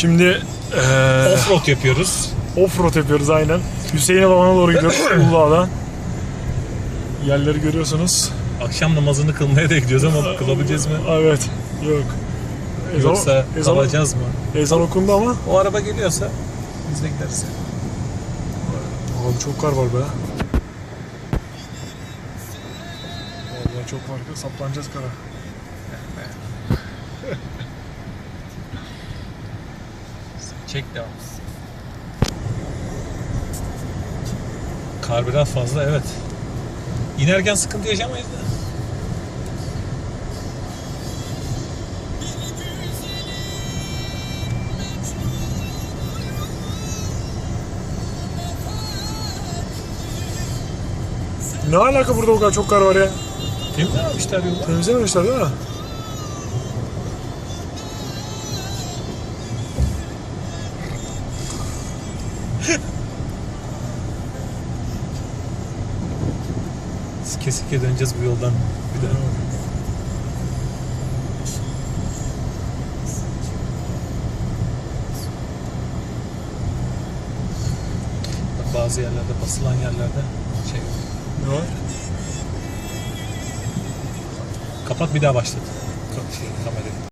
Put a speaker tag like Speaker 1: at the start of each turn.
Speaker 1: Şimdi
Speaker 2: Offroad yapıyoruz.
Speaker 1: offroad yapıyoruz aynen. Hüseyin Baba'na doğru gidiyoruz Uludağ'dan. Yerleri görüyorsunuz.
Speaker 2: Akşam namazını kılmaya da gidiyoruz ama kılabileceğiz mi?
Speaker 1: Evet. Yok.
Speaker 2: Yoksa kalacağız mı?
Speaker 1: Ezan okundu ama.
Speaker 2: O araba geliyorsa biz de gideriz.
Speaker 1: Abi çok kar var be. Vallahi çok var. Saplanacağız kara.
Speaker 2: Çek devam. Kar biraz fazla, evet. İnerken sıkıntı yaşamayız da.
Speaker 1: Ne alaka burada o kadar çok kar var ya?
Speaker 2: Temizlememişler yolu.
Speaker 1: Temizlememişler değil mi?
Speaker 2: Sike sike döneceğiz bu yoldan bir daha. Bazı yerlerde, basılan yerlerde şey yok.
Speaker 1: Ne var?
Speaker 2: Kapat, bir daha başlat. Kamerayı.